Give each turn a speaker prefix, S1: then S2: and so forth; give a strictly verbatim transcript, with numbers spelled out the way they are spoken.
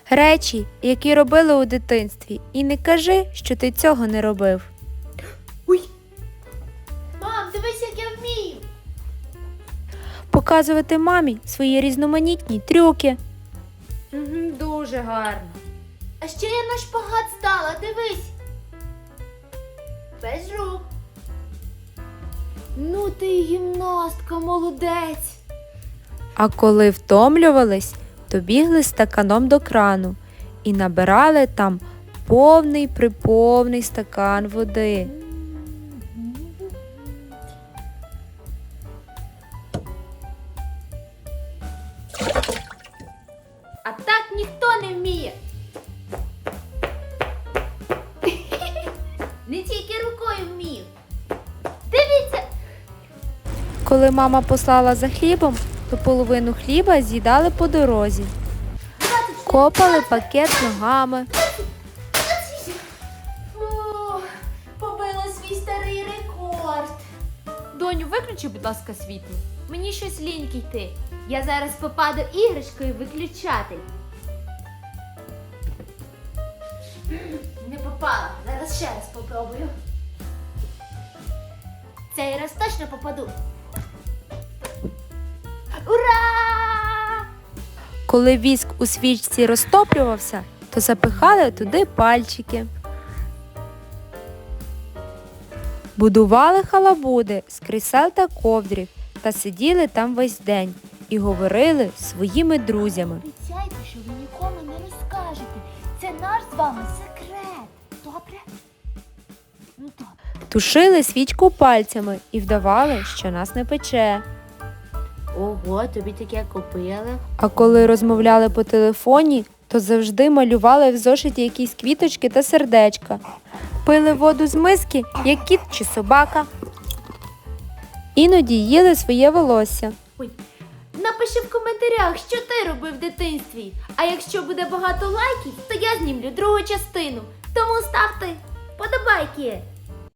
S1: Речі, які робили у дитинстві, і не кажи, що ти цього не робив.
S2: Ой! Мам, дивись, як я вмію!
S1: Показувати мамі свої різноманітні трюки.
S3: Угу, дуже гарно.
S2: А ще я на шпагат стала, дивись! Без рук. Ну ти й гімнастка, молодець!
S1: А коли втомлювались, то бігли стаканом до крану і набирали там повний-приповний стакан води.
S2: А так ніхто не вміє. Не тільки рукою вмію. Дивіться!
S1: Коли мама послала за хлібом, то половину хліба з'їдали по дорозі. Копали пакет ногами.
S2: О, побила свій старий рекорд.
S3: Доню, виключи, будь ласка, світло.
S2: Мені щось ліньки йти. Я зараз попаду іграшкою виключати. Не попала. Зараз ще раз попробую. Цей раз точно попаду. Ура!
S1: Коли віск у свічці розтоплювався, то запихали туди пальчики. Будували халабуди з крісел та ковдрів та сиділи там весь день і говорили зі своїми друзями.
S2: Обіцяйте, що ви нікому не розкажете. Це наш з вами секрет. Добре? Ну добре.
S1: Тушили свічку пальцями і вдавали, що нас не пече.
S2: Ого, тобі таке купили.
S1: А коли розмовляли по телефоні, то завжди малювали в зошиті якісь квіточки та сердечка. Пили воду з миски, як кіт чи собака. Іноді їли своє волосся.
S2: Ой, напиши в коментарях, що ти робив в дитинстві. А якщо буде багато лайків, то я знімлю другу частину. Тому ставте подобайки.